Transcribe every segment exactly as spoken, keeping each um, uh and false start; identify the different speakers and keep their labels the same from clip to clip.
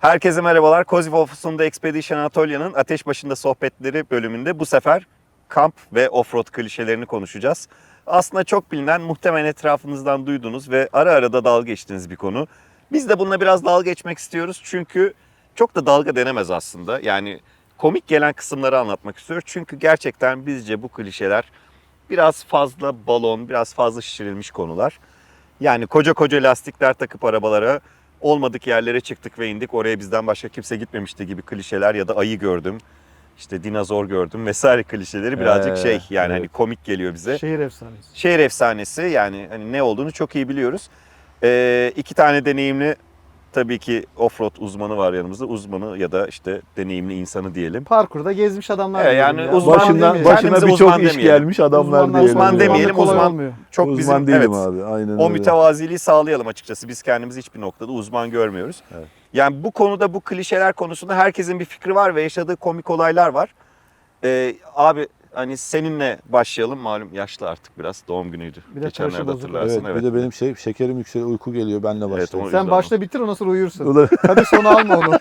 Speaker 1: Herkese merhabalar. Kozif Funda Expedition Anatolia'nın Ateş Başında Sohbetleri bölümünde bu sefer kamp ve offroad klişelerini konuşacağız. Aslında çok bilinen, muhtemelen etrafınızdan duyduğunuz ve ara ara da dalga geçtiğiniz bir konu. Biz de bununla biraz dalga geçmek istiyoruz çünkü çok da dalga denemez aslında. Yani komik gelen kısımları anlatmak istiyoruz. Çünkü gerçekten bizce bu klişeler biraz fazla balon, biraz fazla şişirilmiş konular. Yani koca koca lastikler takıp arabalara olmadık yerlere çıktık ve indik. Oraya bizden başka kimse gitmemişti gibi klişeler ya da ayı gördüm, işte dinozor gördüm vesaire klişeleri birazcık
Speaker 2: Ee,
Speaker 1: şey yani
Speaker 2: evet.
Speaker 1: hani komik geliyor bize.
Speaker 3: Şehir efsanesi.
Speaker 1: Şehir efsanesi yani hani ne olduğunu çok iyi biliyoruz. Ee, iki tane deneyimli tabii ki offroad uzmanı var yanımızda. Uzmanı ya da işte deneyimli insanı diyelim.
Speaker 3: Parkurda gezmiş adamlar.
Speaker 1: Evet,
Speaker 3: diyelim
Speaker 1: yani
Speaker 3: ya.
Speaker 1: uzman
Speaker 2: Başından,
Speaker 1: demeyelim.
Speaker 2: başına
Speaker 1: Kendimize
Speaker 2: birçok
Speaker 1: uzman
Speaker 2: iş
Speaker 1: demeyelim.
Speaker 2: gelmiş adamlar
Speaker 3: Uzmanlar
Speaker 2: diyelim.
Speaker 1: uzman
Speaker 3: sonra
Speaker 1: demeyelim,
Speaker 3: kolay
Speaker 1: uzman-
Speaker 3: olmuyor.
Speaker 1: Çok
Speaker 2: uzman
Speaker 1: bizim
Speaker 2: değilim
Speaker 1: evet,
Speaker 2: abi. Aynen
Speaker 1: o
Speaker 2: öyle.
Speaker 1: mütevaziliği sağlayalım açıkçası. Biz kendimizi hiçbir noktada uzman görmüyoruz.
Speaker 2: Evet.
Speaker 1: Yani bu konuda, bu klişeler konusunda herkesin bir fikri var ve yaşadığı komik olaylar var. Ee, abi hani seninle başlayalım. Malum yaşlı artık biraz. Doğum günüydü.
Speaker 3: Bir de
Speaker 1: Geçenlerde
Speaker 3: taşı bozuk.
Speaker 1: hatırlarsın.
Speaker 2: Evet, bir de benim şey şekerim yükseliyor, uyku geliyor. Benle
Speaker 1: Evet,
Speaker 2: başlayalım.
Speaker 1: o-
Speaker 3: Sen
Speaker 1: yüzden
Speaker 3: başta bitir ondan sonra uyursun.
Speaker 2: Ulan-
Speaker 3: Hadi sonu alma onu.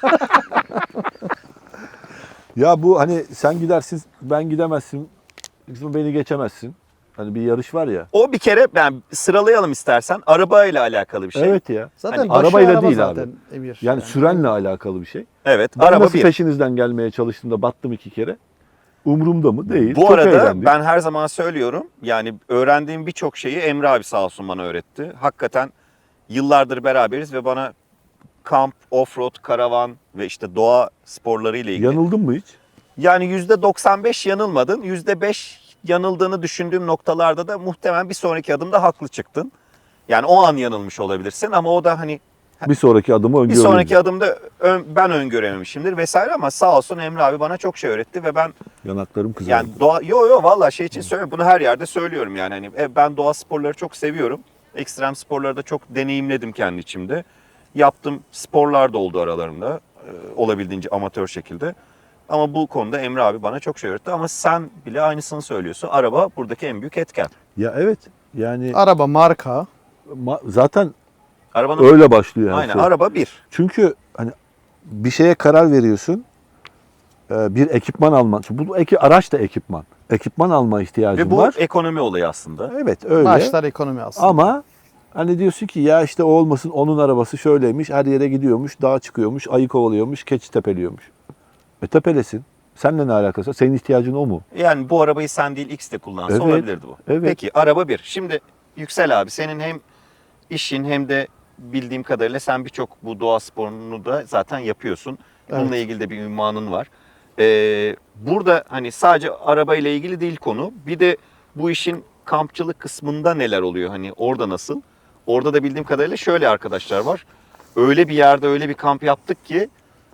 Speaker 2: Ya bu hani sen gidersin, ben gidemezsin. Beni geçemezsin. Hani bir yarış var ya.
Speaker 1: O bir kere yani sıralayalım istersen. Arabayla alakalı bir şey.
Speaker 2: Evet ya.
Speaker 3: Zaten
Speaker 1: Hani
Speaker 3: başı
Speaker 2: arabayla
Speaker 3: araba
Speaker 2: değil
Speaker 3: zaten
Speaker 2: abi.
Speaker 3: Emir.
Speaker 2: Yani sürenle alakalı bir şey.
Speaker 1: Evet.
Speaker 2: Ben
Speaker 1: araba
Speaker 2: nasıl
Speaker 1: bir.
Speaker 2: peşinizden gelmeye çalıştığımda battım iki kere. Umurumda mı? Değil.
Speaker 1: Bu
Speaker 2: Çok
Speaker 1: arada
Speaker 2: eğlendik.
Speaker 1: ben her zaman söylüyorum. Yani öğrendiğim birçok şeyi Emre abi sağ olsun bana öğretti. Hakikaten yıllardır beraberiz ve bana kamp, offroad, karavan ve işte doğa sporları ile ilgili.
Speaker 2: Yanıldın mı hiç?
Speaker 1: Yani yüzde doksan beş yanılmadın. yüzde beş yanıldığını düşündüğüm noktalarda da muhtemelen bir sonraki adımda haklı çıktın. Yani o an yanılmış olabilirsin ama o da hani
Speaker 2: Bir sonraki adımı
Speaker 1: bir
Speaker 2: öngörüyorum.
Speaker 1: sonraki adımda ön- ben öngörememişimdir vesaire ama sağ olsun Emre abi bana çok şey öğretti ve ben
Speaker 2: Yanaklarım kızardı.
Speaker 1: yani doğa yo yo vallahi şey için söylüyorum. Bunu her yerde söylüyorum yani hani e, ben doğa sporları çok seviyorum. Ekstrem sporları da çok deneyimledim kendi içimde. Yaptığım sporlar da oldu aralarında. e, olabildiğince amatör şekilde. Ama bu konuda Emre abi bana çok şey öğretti ama sen bile aynısını söylüyorsun. Araba buradaki en büyük etken.
Speaker 2: Ya evet. Yani
Speaker 3: Araba, marka.
Speaker 2: ma- zaten
Speaker 1: Arabanın
Speaker 2: öyle başlıyor her
Speaker 1: aynen
Speaker 2: şey.
Speaker 1: araba bir.
Speaker 2: Çünkü hani bir şeye karar veriyorsun. e, Bir ekipman alman. Çünkü bu eki, araç da ekipman. Ekipman alma ihtiyacın
Speaker 1: Ve bu
Speaker 2: var.
Speaker 1: ekonomi olayı aslında.
Speaker 2: Evet öyle.
Speaker 3: Başlar ekonomi aslında.
Speaker 2: Ama hani diyorsun ki ya işte o olmasın, onun arabası şöyleymiş, her yere gidiyormuş, dağa çıkıyormuş, ayı kovalıyormuş, keçi tepeliyormuş. E tepelesin. Seninle ne alakası var? Senin ihtiyacın o mu?
Speaker 1: Yani bu arabayı sen değil X de kullansa
Speaker 2: Evet,
Speaker 1: olabilirdi bu.
Speaker 2: evet.
Speaker 1: Peki araba bir. Şimdi Yüksel abi senin hem işin hem de bildiğim kadarıyla sen birçok bu doğa sporunu da zaten yapıyorsun. Bununla
Speaker 3: Evet.
Speaker 1: ilgili de bir ünvanın var. Ee, burada hani sadece arabayla ilgili değil konu. Bir de bu işin kampçılık kısmında neler oluyor? Hani orada nasıl? Orada da bildiğim kadarıyla şöyle arkadaşlar var. Öyle bir yerde öyle bir kamp yaptık ki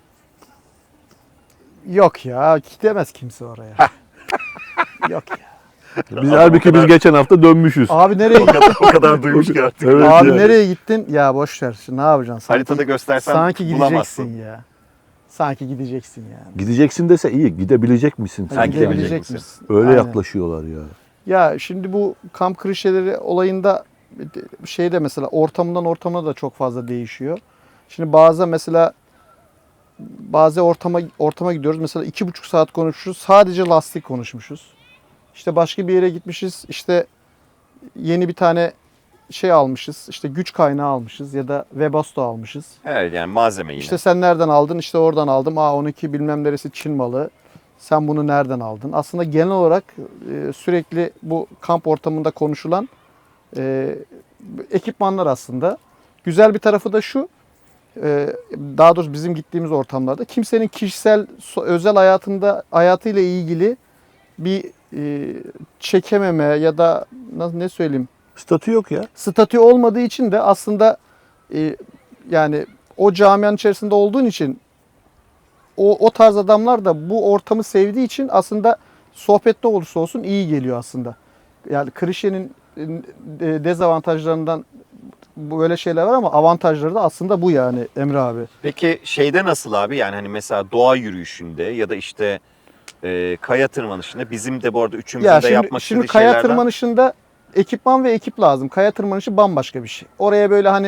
Speaker 3: Yok ya gidemez kimse oraya. Yok ya.
Speaker 2: Biz
Speaker 1: Adam
Speaker 2: halbuki
Speaker 1: o kadar-
Speaker 2: biz geçen hafta dönmüşüz.
Speaker 3: Abi nereye gittin?
Speaker 1: o kadar duymuş ki artık.
Speaker 2: Evet
Speaker 3: Abi
Speaker 2: yani.
Speaker 3: nereye gittin? Ya boş ver. Şimdi ne yapacaksın? Sanki,
Speaker 1: Haritada göstersen
Speaker 3: sanki
Speaker 1: bulamazsın.
Speaker 3: gideceksin ya. Sanki gideceksin yani.
Speaker 2: Gideceksin dese iyi, gidebilecek misin?
Speaker 1: Sen
Speaker 2: Sanki
Speaker 1: gidebilecek
Speaker 2: yani.
Speaker 1: misin?
Speaker 3: misin?
Speaker 2: Öyle
Speaker 3: Aynen.
Speaker 2: yaklaşıyorlar ya.
Speaker 3: Ya şimdi bu kamp klişeleri olayında şeyde mesela ortamından ortamına da çok fazla değişiyor. Şimdi bazı mesela bazı ortama ortama gidiyoruz. Mesela iki buçuk saat konuşmuşuz. Sadece lastik konuşmuşuz. İşte başka bir yere gitmişiz. İşte yeni bir tane şey almışız. İşte güç kaynağı almışız ya da Webasto almışız.
Speaker 1: Evet yani malzeme yine.
Speaker 3: İşte sen nereden aldın? İşte oradan aldım. Aa on iki bilmem neresi Çin malı. Sen bunu nereden aldın? Aslında genel olarak e, sürekli bu kamp ortamında konuşulan e, ekipmanlar aslında. Güzel bir tarafı da şu. e, daha doğrusu bizim gittiğimiz ortamlarda kimsenin kişisel so- özel hayatında hayatıyla ilgili bir e, çekememe ya da nasıl ne söyleyeyim
Speaker 2: Statü yok ya.
Speaker 3: statü olmadığı için de aslında e, yani o camianın içerisinde olduğun için o, o tarz adamlar da bu ortamı sevdiği için aslında sohbet ne olursa olsun iyi geliyor aslında. Yani klişenin e, dezavantajlarından böyle şeyler var ama avantajları da aslında bu yani Emre abi.
Speaker 1: Peki şeyde nasıl abi yani hani mesela doğa yürüyüşünde ya da işte e, kaya tırmanışında bizim de bu arada üçümüzün
Speaker 3: Ya
Speaker 1: de
Speaker 3: şimdi,
Speaker 1: yapmak
Speaker 3: şimdi
Speaker 1: istediği
Speaker 3: kaya
Speaker 1: şeylerden.
Speaker 3: tırmanışında ekipman ve ekip lazım. Kaya tırmanışı bambaşka bir şey. Oraya böyle hani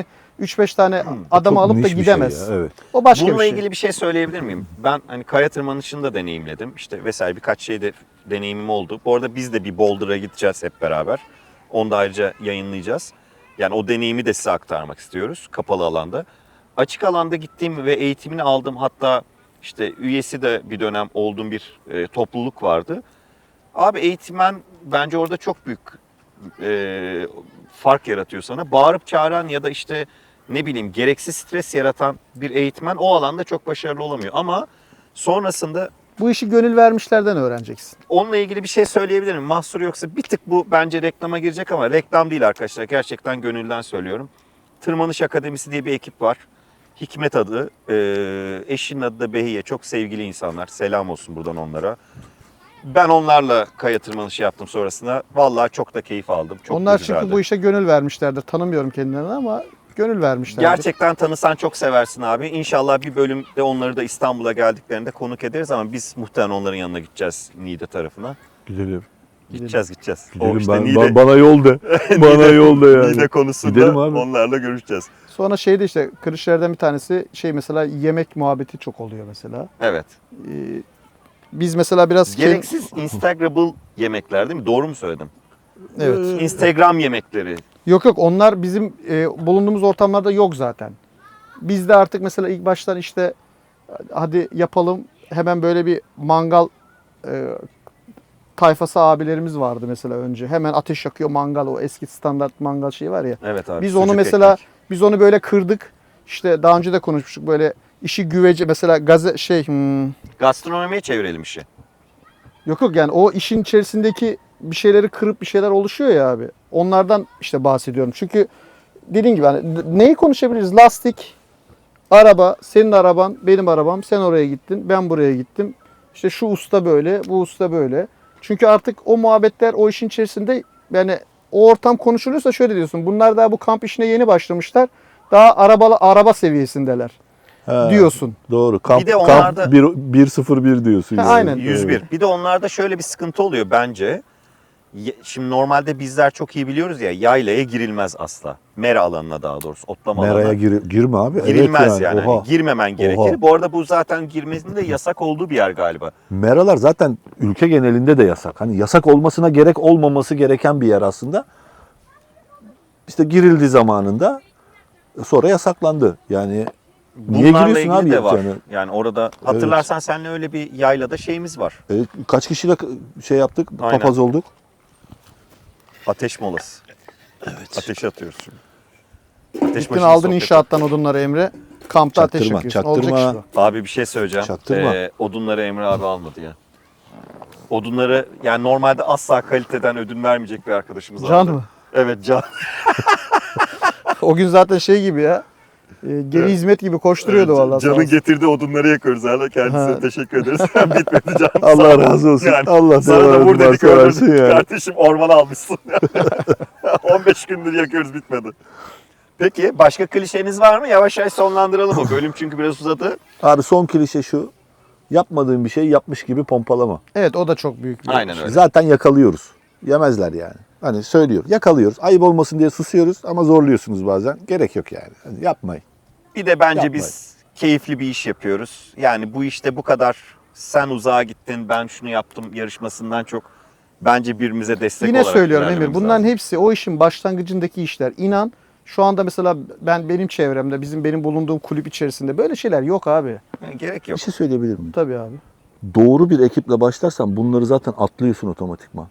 Speaker 3: üç beş tane adamı
Speaker 2: Çok
Speaker 3: alıp da
Speaker 2: niş bir şey
Speaker 3: gidemez.
Speaker 2: ya, evet.
Speaker 3: O başka
Speaker 1: Bununla
Speaker 3: bir şey.
Speaker 1: ilgili bir şey söyleyebilir miyim? Ben hani kaya tırmanışını da deneyimledim. İşte vesaire birkaç şeyde deneyimim oldu. Bu arada biz de bir Boulder'a gideceğiz hep beraber. Onu da ayrıca yayınlayacağız. Yani o deneyimi de size aktarmak istiyoruz kapalı alanda. Açık alanda gittiğim ve eğitimini aldığım, hatta işte üyesi de bir dönem olduğum bir e, topluluk vardı. Abi eğitmen bence orada çok büyük e, fark yaratıyor sana. Bağırıp çağıran ya da işte ne bileyim gereksiz stres yaratan bir eğitmen o alanda çok başarılı olamıyor. Ama sonrasında
Speaker 3: Bu işi gönül vermişlerden öğreneceksin.
Speaker 1: onunla ilgili bir şey söyleyebilirim. Mahsur yoksa bir tık bu bence reklama girecek ama reklam değil arkadaşlar. Gerçekten gönülden söylüyorum. Tırmanış Akademisi diye bir ekip var. Hikmet adı, e, eşinin adı da Behiye. Çok sevgili insanlar. Selam olsun buradan onlara. Ben onlarla kaya tırmanışı yaptım sonrasında. Vallahi çok da keyif aldım. Çok
Speaker 3: Onlar
Speaker 1: da güzeldi.
Speaker 3: çünkü bu işe gönül vermişlerdir. Tanımıyorum kendilerini ama gönül vermişlerdir.
Speaker 1: Gerçekten tanısan çok seversin abi. İnşallah bir bölümde onları da İstanbul'a geldiklerinde konuk ederiz ama biz muhtemelen onların yanına gideceğiz Niğde tarafına.
Speaker 2: Gidelim.
Speaker 1: Gideceğiz gideceğiz.
Speaker 2: Gidelim.
Speaker 1: O işte
Speaker 2: ben,
Speaker 1: Niğde,
Speaker 2: ba- bana yol de. bana yol de yani.
Speaker 1: Niğde konusunda
Speaker 2: Gidelim abi.
Speaker 1: onlarla görüşeceğiz.
Speaker 3: Sonra şeyde işte kırışlardan bir tanesi şey mesela yemek muhabbeti çok oluyor mesela.
Speaker 1: Evet.
Speaker 3: Ee, biz mesela biraz...
Speaker 1: Gereksiz Instagrammable yemekler değil mi? Doğru mu söyledim?
Speaker 3: Evet.
Speaker 1: Instagram yemekleri.
Speaker 3: Yok yok onlar bizim e, bulunduğumuz ortamlarda yok zaten. Biz de artık mesela ilk baştan işte hadi yapalım hemen böyle bir mangal e, tayfası abilerimiz vardı mesela önce. Hemen ateş yakıyor mangal, o eski standart mangal şeyi var ya.
Speaker 1: Evet abi.
Speaker 3: Biz onu
Speaker 1: sucuk
Speaker 3: mesela
Speaker 1: ekmek.
Speaker 3: biz onu böyle kırdık. İşte daha önce de konuşmuştuk böyle işi güvece mesela gaze şey hmm,
Speaker 1: Gastronomiye çevirelim işi.
Speaker 3: yok yok yani o işin içerisindeki bir şeyleri kırıp bir şeyler oluşuyor ya abi. Onlardan işte bahsediyorum. Çünkü dediğim gibi hani neyi konuşabiliriz? Lastik, araba, senin araban, benim arabam. Sen oraya gittin, ben buraya gittim. İşte şu usta böyle, bu usta böyle. Çünkü artık o muhabbetler o işin içerisinde yani o ortam konuşuluyorsa şöyle diyorsun. Bunlar daha bu kamp işine yeni başlamışlar. Daha arabalı araba seviyesindeler
Speaker 2: Ha,
Speaker 3: diyorsun.
Speaker 2: Doğru. Kamp,
Speaker 1: Bir de
Speaker 2: kamp
Speaker 1: onlarda-
Speaker 2: bir- bir sıfır bir diyorsun.
Speaker 3: Ha,
Speaker 2: yani.
Speaker 3: aynen.
Speaker 1: yüz bir. Bir de onlarda şöyle bir sıkıntı oluyor bence. Ye- Şimdi normalde bizler çok iyi biliyoruz ya, yaylaya girilmez asla. Mera alanına daha doğrusu, otlama
Speaker 2: Meraya
Speaker 1: alanına.
Speaker 2: gir, girme abi.
Speaker 1: Girilmez
Speaker 2: evet
Speaker 1: yani.
Speaker 2: Oha.
Speaker 1: Hani girmemen gerekir.
Speaker 2: Oha.
Speaker 1: Bu arada bu zaten girmesinin de yasak olduğu bir yer galiba.
Speaker 2: Meralar zaten ülke genelinde de yasak. Hani yasak olmasına gerek olmaması gereken bir yer aslında. İşte girildi zamanında sonra yasaklandı. Yani niye
Speaker 1: Bunlarla
Speaker 2: giriyorsun
Speaker 1: ilgili
Speaker 2: abi
Speaker 1: de var.
Speaker 2: yani?
Speaker 1: Yani orada hatırlarsan seninle öyle bir yaylada şeyimiz var.
Speaker 2: E, kaç kişiyle şey yaptık?
Speaker 1: Aynen.
Speaker 2: Papaz olduk.
Speaker 1: Ateş molası. Evet. Ateş atıyoruz şimdi. Ateş
Speaker 3: Gittin
Speaker 1: başında
Speaker 3: aldın
Speaker 1: sohbet.
Speaker 3: inşaattan odunları Emre. Kampta ateş
Speaker 2: Çaktırma,
Speaker 3: yakıyorsun.
Speaker 2: çaktırma.
Speaker 3: Olacak iş bu.
Speaker 1: Abi bir şey söyleyeceğim.
Speaker 2: Çaktırma.
Speaker 1: Ee, odunları Emre abi almadı ya. Odunları yani normalde asla kaliteden ödün vermeyecek bir arkadaşımız
Speaker 3: Can
Speaker 1: aldı.
Speaker 3: mı?
Speaker 1: Evet Can.
Speaker 3: O gün zaten şey gibi ya. E, geri hizmet gibi koşturuyordu vallahi. sağ
Speaker 1: Can'ın
Speaker 3: olsun.
Speaker 1: getirdiği odunları yakıyoruz hala. Kendisine
Speaker 3: Ha.
Speaker 1: teşekkür ederiz. Bitmedi Can.
Speaker 2: Allah
Speaker 1: Sağ ol.
Speaker 2: razı olsun.
Speaker 1: Yani
Speaker 2: Allah
Speaker 1: sana da
Speaker 2: sever
Speaker 1: vur dedik
Speaker 2: seversin
Speaker 1: öldürdük.
Speaker 2: yani.
Speaker 1: Kardeşim ormana almışsın. on beş gündür yakıyoruz bitmedi. Peki başka klişeniz var mı? Yavaş yavaş sonlandıralım o bölüm çünkü biraz uzadı.
Speaker 2: Abi son klişe şu. Yapmadığın bir şey yapmış gibi pompalama.
Speaker 3: Evet o da çok büyük bir
Speaker 1: Aynen öyle.
Speaker 2: Zaten yakalıyoruz. Yemezler yani. Hani söylüyor. Yakalıyoruz. Ayıp olmasın diye susuyoruz ama zorluyorsunuz bazen. Gerek yok yani. Hani yapmayın.
Speaker 1: Bir de bence
Speaker 2: Yapmayın.
Speaker 1: biz keyifli bir iş yapıyoruz. Yani bu işte bu kadar sen uzağa gittin ben şunu yaptım yarışmasından çok bence birbirimize destek
Speaker 3: Yine
Speaker 1: olarak
Speaker 3: söylüyorum Emir.
Speaker 1: ilerlememiz
Speaker 3: Bunların
Speaker 1: lazım.
Speaker 3: hepsi o işin başlangıcındaki işler. İnan şu anda mesela ben benim çevremde bizim benim bulunduğum kulüp içerisinde böyle şeyler yok abi.
Speaker 1: Yani gerek
Speaker 2: Bir
Speaker 1: yok.
Speaker 2: şey söyleyebilir miyim?
Speaker 3: Tabii abi.
Speaker 2: Doğru bir ekiple başlarsan bunları zaten atlıyorsun otomatikman.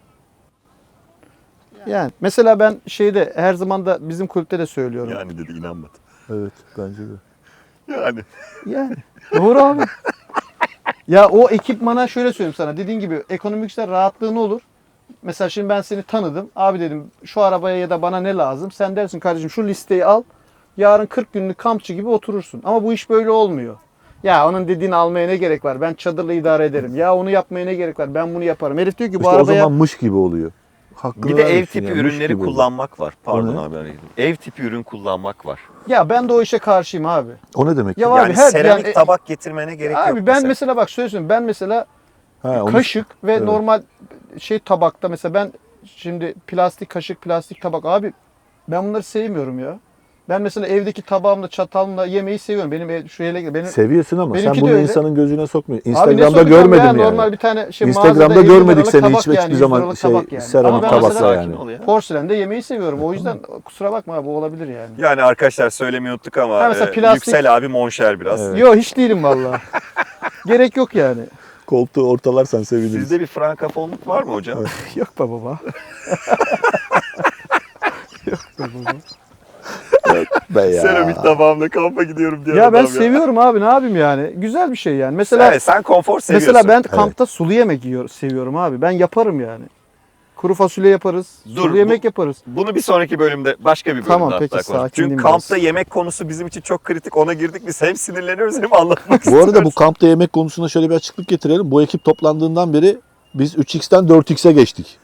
Speaker 3: Yani mesela ben şeyde her zaman da bizim kulüpte de söylüyorum.
Speaker 1: Yani dedi inanmadı.
Speaker 2: Evet bence de.
Speaker 1: Yani
Speaker 3: Yani doğru abi. Ya o ekipmana şöyle söyleyeyim sana. Dediğin gibi ekonomik işler rahatlığın olur. Mesela şimdi ben seni tanıdım. Abi dedim şu arabaya ya da bana ne lazım? Sen dersin kardeşim şu listeyi al. Yarın kırk günlük kampçı gibi oturursun. Ama bu iş böyle olmuyor. Ya onun dediğini almaya ne gerek var? Ben çadırla idare ederim. Ya onu yapmaya ne gerek var? Ben bunu yaparım. Herif diyor ki bu
Speaker 2: İşte o
Speaker 3: arabaya...
Speaker 2: zaman mış gibi oluyor. Hakkını
Speaker 1: bir de ev
Speaker 2: vermişsin
Speaker 1: tipi
Speaker 2: yani, mış
Speaker 1: ürünleri
Speaker 2: gibi oluyor.
Speaker 1: kullanmak var. Pardon
Speaker 2: ne?
Speaker 1: abi arayayım. Ev tipi ürün kullanmak var.
Speaker 3: Ya ben de o işe karşıyım abi.
Speaker 2: O ne demek?
Speaker 3: Ya
Speaker 2: Ya,
Speaker 3: Abi
Speaker 1: Yani
Speaker 3: her-
Speaker 1: seramik
Speaker 3: yani-
Speaker 1: tabak getirmene gerek yok.
Speaker 3: Abi ben mesela. mesela bak söylüyorum. Ben mesela
Speaker 2: ha, onu-
Speaker 3: kaşık ve
Speaker 2: Evet.
Speaker 3: normal şey tabakta mesela ben şimdi plastik kaşık, plastik tabak abi ben bunları sevmiyorum ya. Ben mesela evdeki tabağımla çatalımla yemeği seviyorum. Benim ev, şu hele benim
Speaker 2: Seviyorsun ama sen
Speaker 3: Benimki de
Speaker 2: bunu
Speaker 3: öyle.
Speaker 2: insanın gözüne sokmuyorsun.
Speaker 3: Abi ne
Speaker 2: Instagram'da
Speaker 3: sokacağım
Speaker 2: görmedim
Speaker 3: ya?
Speaker 2: yani.
Speaker 3: Normal bir tane şey
Speaker 2: Instagram'da
Speaker 3: mağazada elli
Speaker 2: görmedik
Speaker 3: liralık
Speaker 2: seni
Speaker 3: tabak
Speaker 2: hiçbir
Speaker 3: yani, yüz
Speaker 2: zaman
Speaker 3: liralık
Speaker 2: şey,
Speaker 3: tabak yani.
Speaker 2: seramik
Speaker 3: Ama ben
Speaker 2: tabakla
Speaker 3: mesela
Speaker 2: yani.
Speaker 1: ol ya.
Speaker 3: porselende yemeği seviyorum. O yüzden kusura bakma abi, o olabilir yani.
Speaker 1: Yani arkadaşlar söylemeyi unuttuk ama
Speaker 3: Ha, mesela
Speaker 1: e,
Speaker 3: plastik-
Speaker 1: Yüksel abi monşer biraz.
Speaker 2: Evet.
Speaker 3: Yok hiç değilim vallahi. Gerek yok yani.
Speaker 2: Koltuğu ortalarsan seviniriz.
Speaker 1: Sizde bir frankafonluk var mı hocam?
Speaker 3: Yok be baba.
Speaker 2: Be ya.
Speaker 1: Seramik tabağımla kampa gidiyorum diye.
Speaker 3: Ya ben seviyorum abi, ne yapayım yani. Güzel bir şey yani. Mesela
Speaker 1: Evet, sen konfor seviyorsun.
Speaker 3: mesela ben kampta sulu yemek yiyor, seviyorum abi. Ben yaparım yani. Kuru fasulye yaparız,
Speaker 1: Dur,
Speaker 3: sulu
Speaker 1: bu-
Speaker 3: yemek yaparız.
Speaker 1: Bunu bir sonraki bölümde, başka bir bölümde
Speaker 3: Tamam,
Speaker 1: hatta
Speaker 3: peki,
Speaker 1: konuşalım.
Speaker 3: sakinleyeyim
Speaker 1: Çünkü
Speaker 3: biraz.
Speaker 1: kampta yemek konusu bizim için çok kritik. Ona girdik biz hem sinirleniyoruz hem anlatmak
Speaker 2: Bu
Speaker 1: istiyoruz.
Speaker 2: arada bu kampta yemek konusunda şöyle bir açıklık getirelim. Bu ekip toplandığından beri biz üç x'ten dört x'e geçtik.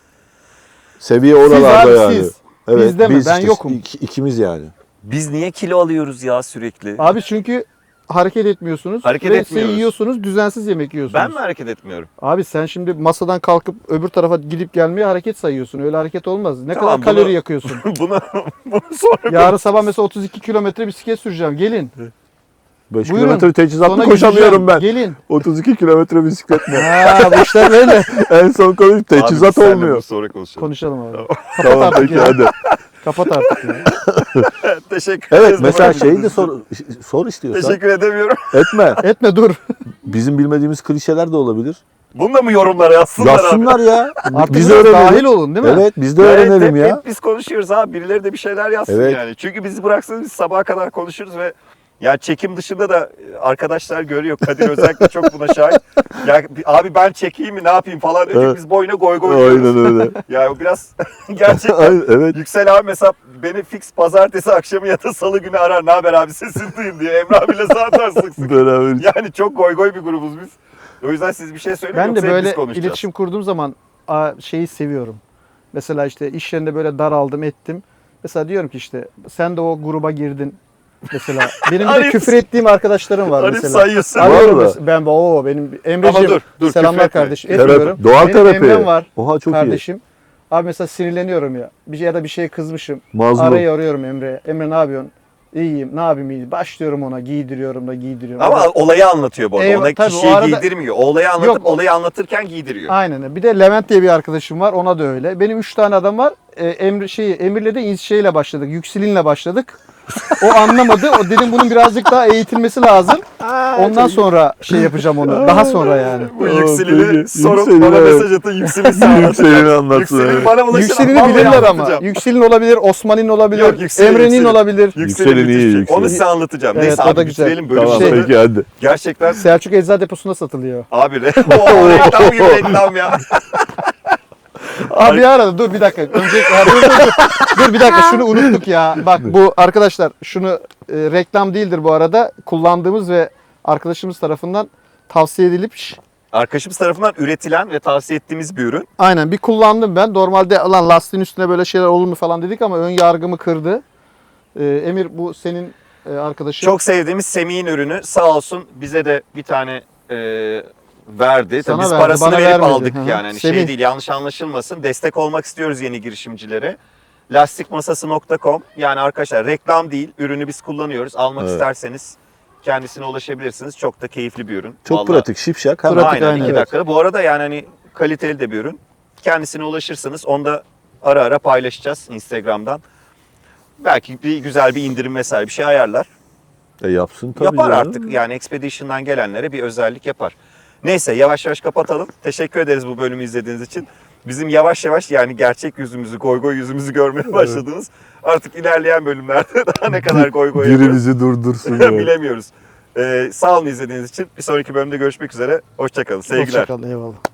Speaker 2: Seviye oralarda
Speaker 3: abi,
Speaker 2: yani.
Speaker 3: siz.
Speaker 2: Evet,
Speaker 3: Biz de mi? Ben
Speaker 2: işte
Speaker 3: yokum.
Speaker 2: ik- ikimiz yani.
Speaker 1: Biz niye kilo alıyoruz ya sürekli?
Speaker 3: Abi çünkü hareket etmiyorsunuz.
Speaker 1: Hareket
Speaker 3: ve
Speaker 1: etmiyoruz.
Speaker 3: yiyorsunuz, düzensiz yemek yiyorsunuz.
Speaker 1: Ben mi hareket etmiyorum?
Speaker 3: Abi sen şimdi masadan kalkıp öbür tarafa gidip gelmeye hareket sayıyorsun. Öyle hareket olmaz. Ne
Speaker 1: Tamam,
Speaker 3: kadar
Speaker 1: bunu-
Speaker 3: kalori yakıyorsun.
Speaker 1: bunu, bunu sonra
Speaker 3: Yarın sabah mesela otuz iki kilometre bisiklet süreceğim. Gelin.
Speaker 2: beş
Speaker 3: Buyurun.
Speaker 2: kilometre teçhizatlı
Speaker 3: Sonra
Speaker 2: koşamıyorum ben.
Speaker 3: gideceğim. Gelin.
Speaker 2: otuz iki kilometre bisiklet mi?
Speaker 3: Ha, bu işler böyle.
Speaker 2: En son konuş teçhizat
Speaker 1: Abi biz seninle
Speaker 2: olmuyor.
Speaker 1: bunu sonra konuşalım.
Speaker 3: Konuşalım abi.
Speaker 2: Tamam
Speaker 3: artık
Speaker 2: peki
Speaker 3: ya.
Speaker 2: hadi.
Speaker 3: Kapat artık ya.
Speaker 1: Teşekkür
Speaker 2: Evet
Speaker 1: ederiz.
Speaker 2: mesela
Speaker 1: bu
Speaker 2: şeyi de
Speaker 1: arada.
Speaker 2: sor, sor istiyorsan.
Speaker 1: Teşekkür edemiyorum.
Speaker 2: Etme.
Speaker 3: Etme dur.
Speaker 2: Bizim bilmediğimiz klişeler de olabilir.
Speaker 1: Bunu da mı yorumlara yazsınlar abi?
Speaker 2: Yazsınlar ya.
Speaker 3: Artık
Speaker 2: biz
Speaker 3: biraz
Speaker 2: öğrenelim.
Speaker 3: dahil olun değil mi?
Speaker 2: Evet biz de
Speaker 1: Evet,
Speaker 2: öğrenelim
Speaker 1: hep,
Speaker 2: ya.
Speaker 1: hep biz konuşuyoruz abi. Birileri de bir şeyler yazsın
Speaker 2: Evet.
Speaker 1: yani. Çünkü bizi bıraksanız biz sabaha kadar konuşuruz ve ya çekim dışında da arkadaşlar görüyor. Kadir özellikle çok buna şahit. Ya abi ben çekeyim mi ne yapayım falan. Önce
Speaker 2: Evet.
Speaker 1: biz boyuna goy goy diyoruz.
Speaker 2: Aynen öyle.
Speaker 1: Ya o biraz gerçekten.
Speaker 2: Aynen, evet.
Speaker 1: Yüksel abi mesela beni fix pazartesi akşamı ya da salı günü arar. Ne haber abi sesini duyayım diye. Emre abiyle zaten sık sık.
Speaker 2: Beraber.
Speaker 1: Yani çok goy goy bir grubuz biz. O yüzden siz bir şey söyleyin
Speaker 3: Ben de
Speaker 1: yoksa hep biz
Speaker 3: böyle
Speaker 1: konuşacağız.
Speaker 3: iletişim kurduğum zaman a, şeyi seviyorum. Mesela işte iş yerinde böyle daraldım ettim. Mesela diyorum ki işte sen de o gruba girdin. Mesela benim bir de
Speaker 1: Arif-
Speaker 3: küfür ettiğim arkadaşlarım var
Speaker 1: Arif
Speaker 3: mesela.
Speaker 1: sayıyorsun.
Speaker 3: Arıyorum
Speaker 2: Vallahi.
Speaker 3: mesela. Ben o benim
Speaker 1: Ama
Speaker 3: Emre'ciğim
Speaker 1: dur, dur,
Speaker 3: selamlar
Speaker 1: küfür etme.
Speaker 3: kardeşim.
Speaker 2: Terapi,
Speaker 3: Etmiyorum.
Speaker 2: doğal
Speaker 3: Benim
Speaker 2: terapi.
Speaker 3: Emre'm var
Speaker 2: Oha çok iyi.
Speaker 3: kardeşim. Abi mesela sinirleniyorum ya. Bir şey ya da bir şeye kızmışım.
Speaker 2: Mazlum.
Speaker 3: Arayı arıyorum Emre. Emre ne yapıyorsun? İyiyim. Ne yapayım iyi. Başlıyorum ona giydiriyorum da giydiriyorum.
Speaker 1: Ama
Speaker 3: Adam-
Speaker 1: olayı anlatıyor bu arada.
Speaker 3: Eyvah,
Speaker 1: Ona
Speaker 3: tabii,
Speaker 1: kişiyi
Speaker 3: o arada-
Speaker 1: giydirmiyor. O olayı anlatıp
Speaker 3: Yok.
Speaker 1: olayı anlatırken giydiriyor.
Speaker 3: Aynen. Bir de Levent diye bir arkadaşım var. Ona da öyle. Benim üç tane adam var. Ee, Emre şeyi Emir'le de İz- şeyle başladık. Yükselin'le başladık. O anlamadı. O dedim bunun birazcık daha eğitilmesi lazım. Ondan sonra şey yapacağım onu. Daha sonra yani.
Speaker 1: Bu
Speaker 2: Aa,
Speaker 1: yükselini
Speaker 2: peki.
Speaker 1: sorup
Speaker 2: Yükselini,
Speaker 1: bana
Speaker 2: evet.
Speaker 1: mesaj atın yükselini sen anlatın.
Speaker 2: Yükselini anlatsın.
Speaker 1: Yükselini
Speaker 2: evet.
Speaker 1: bana ulaşın.
Speaker 3: Yükselin'i
Speaker 1: vallahi
Speaker 3: bilirler ama.
Speaker 1: anlatacağım.
Speaker 3: Yükselin olabilir, Osman'ın olabilir,
Speaker 1: Yok, Yükselin,
Speaker 3: Emre'nin
Speaker 1: Yükselin.
Speaker 3: olabilir.
Speaker 1: Yükselini
Speaker 2: Yükselini iyi,
Speaker 1: müthiş.
Speaker 2: Yükselini.
Speaker 1: Onu size anlatacağım.
Speaker 3: Evet,
Speaker 1: Neyse
Speaker 3: o da
Speaker 1: abi
Speaker 3: güzel.
Speaker 1: bitirelim bölümü.
Speaker 2: Tamam
Speaker 3: Şey-
Speaker 2: peki hadi.
Speaker 1: Gerçekten
Speaker 3: Selçuk Eczacı Deposu'nda satılıyor.
Speaker 1: abi re- o reklam gibi reklam ya.
Speaker 3: Abi bir arada dur bir dakika. Önce ha, dur, dur, dur. dur bir dakika şunu unuttuk ya. Bak bu arkadaşlar şunu e, reklam değildir bu arada. Kullandığımız ve arkadaşımız tarafından tavsiye edilip şş,
Speaker 1: Arkadaşımız tarafından üretilen ve tavsiye ettiğimiz bir ürün.
Speaker 3: aynen bir kullandım ben. Normalde lan lastiğin üstüne böyle şeyler olur mu falan dedik ama ön yargımı kırdı. E, Emir bu senin e, arkadaşın.
Speaker 1: Çok sevdiğimiz Semih'in ürünü. Sağ olsun bize de bir tane e, verdi. Tabii
Speaker 3: Sana
Speaker 1: biz
Speaker 3: verdi,
Speaker 1: parasını
Speaker 3: bana
Speaker 1: verip
Speaker 3: vermedi.
Speaker 1: aldık
Speaker 3: Hı hı.
Speaker 1: yani. Hani
Speaker 3: Semih.
Speaker 1: şey değil yanlış anlaşılmasın. Destek olmak istiyoruz yeni girişimcilere. lastikmasası nokta com yani arkadaşlar reklam değil. Ürünü biz kullanıyoruz. Almak
Speaker 2: Evet.
Speaker 1: isterseniz kendisine ulaşabilirsiniz. Çok da keyifli bir ürün.
Speaker 2: Çok
Speaker 1: Vallahi.
Speaker 2: pratik, şipşak. Hemen.
Speaker 3: Pratik,
Speaker 1: Aynen
Speaker 3: aynen,
Speaker 1: iki
Speaker 3: evet.
Speaker 1: dakikada. Bu arada yani hani kaliteli de bir ürün. Kendisine ulaşırsınız. Onu da ara ara paylaşacağız Instagram'dan. Belki bir güzel bir indirim vesaire bir şey ayarlar.
Speaker 2: E yapsın tabii.
Speaker 1: yapar
Speaker 2: canım.
Speaker 1: artık. Yani Expedition'dan gelenlere bir özellik yapar. Neyse yavaş yavaş kapatalım. Teşekkür ederiz bu bölümü izlediğiniz için. Bizim yavaş yavaş yani gerçek yüzümüzü, goy goy yüzümüzü görmeye başladınız. Artık ilerleyen bölümlerde daha ne kadar goy goy
Speaker 2: Biri
Speaker 1: yapıyoruz
Speaker 2: bizi durdursun. ya.
Speaker 1: bilemiyoruz. Ee, sağ olun izlediğiniz için. Bir sonraki bölümde görüşmek üzere. Hoşça kalın. Sevgiler.
Speaker 3: Hoşça kal, eyvallah.